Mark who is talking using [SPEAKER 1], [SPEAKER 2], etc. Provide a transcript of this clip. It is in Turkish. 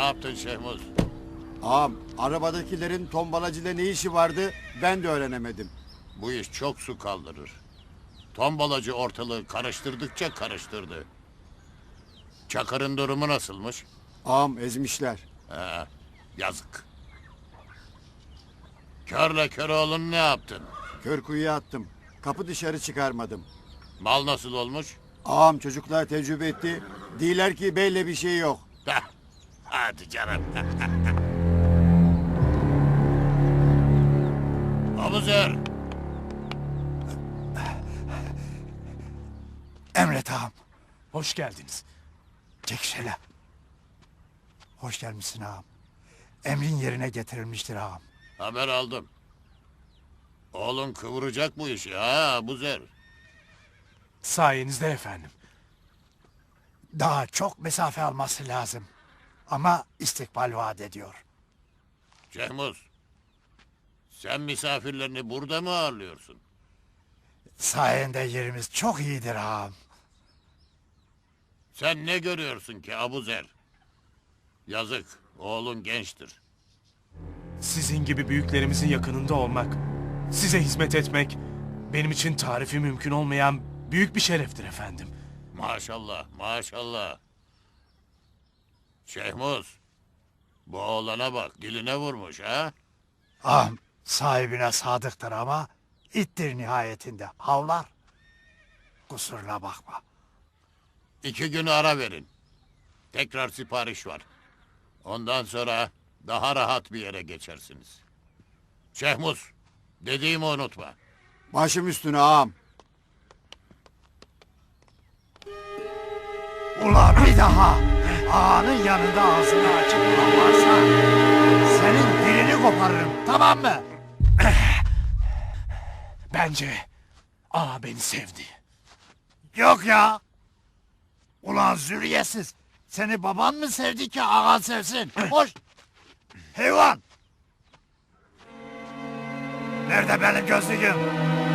[SPEAKER 1] yaptın Şehmuz?
[SPEAKER 2] Ağam, arabadakilerin tombalacıyla ne işi vardı ben de öğrenemedim.
[SPEAKER 1] Bu iş çok su kaldırır. Tombalacı ortalığı karıştırdıkça karıştırdı. Çakır'ın durumu nasılmış?
[SPEAKER 2] Ağam ezmişler.
[SPEAKER 1] He, yazık. Körle Köroğlu'nu ne yaptın?
[SPEAKER 2] Kör kuyuya attım. Kapı dışarı çıkarmadım.
[SPEAKER 1] Mal nasıl olmuş?
[SPEAKER 2] Ağam çocuklar tecrübe etti. Diler ki beyle bir şey yok.
[SPEAKER 1] Heh, hadi canım. Abuzer,
[SPEAKER 3] Emret ağam.
[SPEAKER 4] Hoş geldiniz.
[SPEAKER 3] Çek şöyle. Hoş gelmişsin ağam. Emrin yerine getirilmiştir ağam.
[SPEAKER 1] haber aldım. Oğlun kıvıracak bu işi ha Abuzer.
[SPEAKER 4] Sayenizde efendim.
[SPEAKER 3] Daha çok mesafe alması lazım. Ama istikbal vaat ediyor.
[SPEAKER 1] Şehmuz, sen misafirlerini burada mı ağırlıyorsun?
[SPEAKER 3] Sayende yerimiz çok iyidir ağam.
[SPEAKER 1] Sen ne görüyorsun ki Abuzer? Yazık, oğlun gençtir.
[SPEAKER 4] Sizin gibi büyüklerimizin yakınında olmak, size hizmet etmek benim için tarifi mümkün olmayan büyük bir şereftir efendim.
[SPEAKER 1] Maşallah, maşallah. Şehmuz, bu oğlana bak, diline vurmuş ha?
[SPEAKER 3] Ağam sahibine sadıktır ama ittir nihayetinde. Havlar. Kusuruna bakma.
[SPEAKER 1] 2 gün ara verin. Tekrar sipariş var. Ondan sonra daha rahat bir yere geçersiniz. Şehmuz, dediğimi unutma.
[SPEAKER 2] Başım üstüne ağam.
[SPEAKER 3] Ulan bir daha ağanın yanında ağzını açıp varsa senin dilini koparırım, tamam mı?
[SPEAKER 4] Bence ağa beni sevdi.
[SPEAKER 3] Yok ya. Ulan zürriyetsiz. Seni baban mı sevdi ki ağan sevsin? Hoş. Hayvan. Nerede benim gözlüğüm?